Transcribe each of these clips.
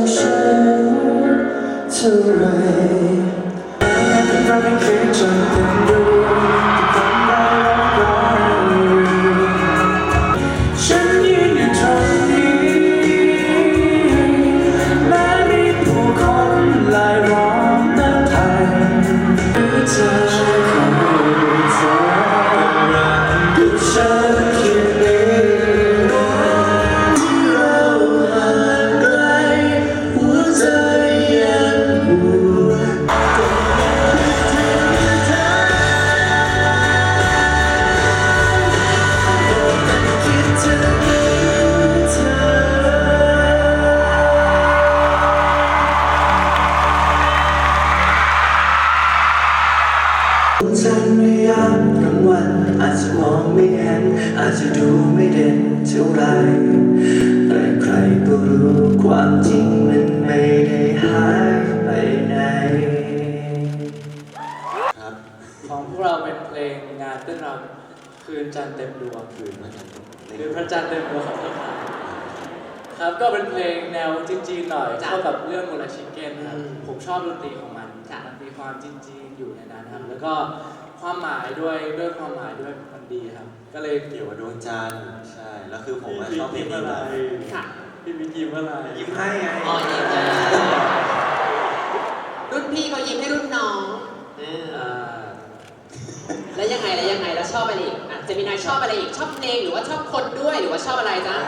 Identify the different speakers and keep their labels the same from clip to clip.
Speaker 1: ฉันเท่าไรเราเป็นคืนจนเต็มดวงที่ทำได้รักฉันยืนอยู่ตรงนี้แม้มีผู้คนหลายล้อมนับพันเธอคนเธอรักกับฉันแค่นี้ที่เราห่างไกลหัวใจยังห่วงฉันไม่ยามกลางวันอาจจะมองไม่เห็นอาจจะดูไม่เด่นเท่าไรแต่ใครก็รู้ความจริงมันไม่ได้หายไปไหนครับ
Speaker 2: ของพวกเราเป็นเพลงงานเต้นรำคืนจันทร์เต็มดวงคืนพระจันทร์เต็มดวงของต้นไม้ครับก็เป็นเพลงแนวจีนๆหน่อยเข้ากับเรื่องมูราชิเก้นครับผมชอบดนตรีของมันมีความจีนๆอยู่ในนั้นครับแล้วก็ความหมายด้วยความหมายด้วยมันดีครับก็เลย
Speaker 1: เกี่ยวกับดวงจันทร์ใช่แล้วคือผมชอบเพลงนี้มาก
Speaker 3: ค่ะ
Speaker 2: พี่มิกยิ้มอะไร
Speaker 1: ยิ้มให้ไง
Speaker 3: อ๋อยิ้มให้รุ่นพี่เขายิ้มให้รุ่นน้องแล้วยังไงแล้วชอบอะไรอีกเจมินายชอบอะไรอีกชอบเพลงหรือว่าชอบคนด้วยหรือว่าชอบอะไรจ๊ะ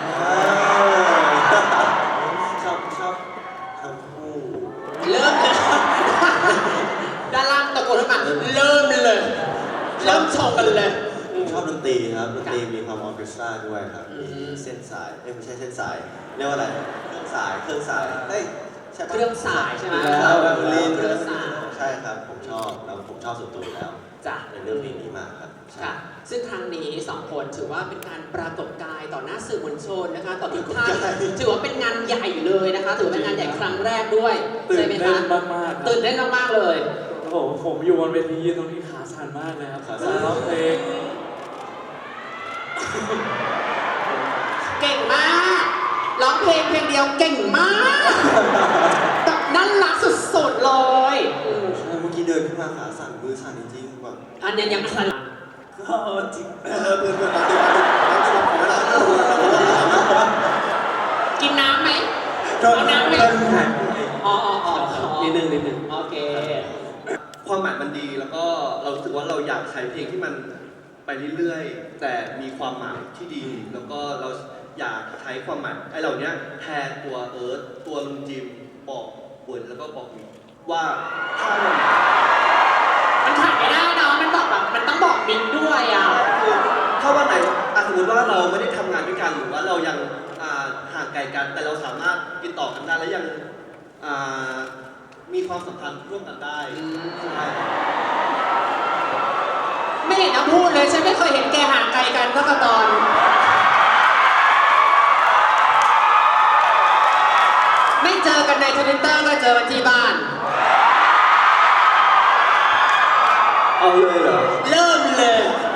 Speaker 1: ชอบทั้งคู่
Speaker 3: เริ่มเลยด้านล่างตะโกนขึ้นมาเริ่มชงกันเลย
Speaker 1: ชอบดนตรีครับดนตรีมีความออร์เคสตราด้วยครับมีเส้นสายไม่ใช่เส้นสายเรียกว่าอะไรเครื่องสายเฮ้ยใช่ปะ
Speaker 3: เครื่องสายใช่ไหม
Speaker 1: เครื่องสายใช่ครับผมชอบแล้วผมชอบส่วนตัวอยู่แล้ว
Speaker 3: จ้ะ
Speaker 1: ในเรื่องเพลงนี้มากครับ
Speaker 3: ค่ะซึ่งครั้งนี้2คนถือว่าเป็นการปรากฏกายต่อหน้าสื่อมวลชนนะคะต่อทุกท่านถือว่าเป็นงานใหญ่เลยนะคะถือว่าเป็นงานใหญ่ครั้งแรกด้วยใช่ไหมคะ
Speaker 2: มากๆ
Speaker 3: ตื่นเต้นมากๆเลย
Speaker 2: โอ้โหผมอยู่บนเวทียืนตรงนี้ขาสั่นมากเลยครับขาสั่นร้องเพลง
Speaker 3: เก่งมากร้องเพลงเดียวเก่งมากแบบน่ารักสุดๆเลย
Speaker 1: ใช่เมื่อกี้เดินขึ้นมาขาสั่นมือสั่นจริงๆแบบ
Speaker 3: อันนี้ยังสั่น
Speaker 1: จริงเพื่อน
Speaker 3: กินน้ำไหมเอาน้ำไหมอ๋อนิดนึงโอเค
Speaker 4: ความหมายมันดีแล้วก็เรารู้สึกว่าเราอยากใช้เพลงที่มันไปเรื่อยๆแต่มีความหมายที่ดีแล้วก็เราอยากใช้ความหมายไอ้เหล่านี้แทนตัวเอิร์ธตัวลุงจิมบอกเวิร์ดแล้วก็บอกมิกว่าถ้า
Speaker 3: มันขาดไม่ได้เนาะมันบอกแบบมันต้องบอกมิกด้วยอ่ะ
Speaker 4: ถ้าวันไหนสมมติว่าเราไม่ได้ทำงานด้วยกันหรือว่าเรายังห่างไกลกันแต่เราสามารถติดต่อกันได้และยังมีความสัมพันธ์ร่วมกันได้ใช่
Speaker 3: ไม่เห็นต้องพูดเลยฉันไม่เคยเห็นแกห่างไกลกันสักตอนไม่เจอกันในทวิตเตอร์ก็เจอกันที่บ้าน
Speaker 1: เอาเลยเหรอ
Speaker 3: เริ่มเลย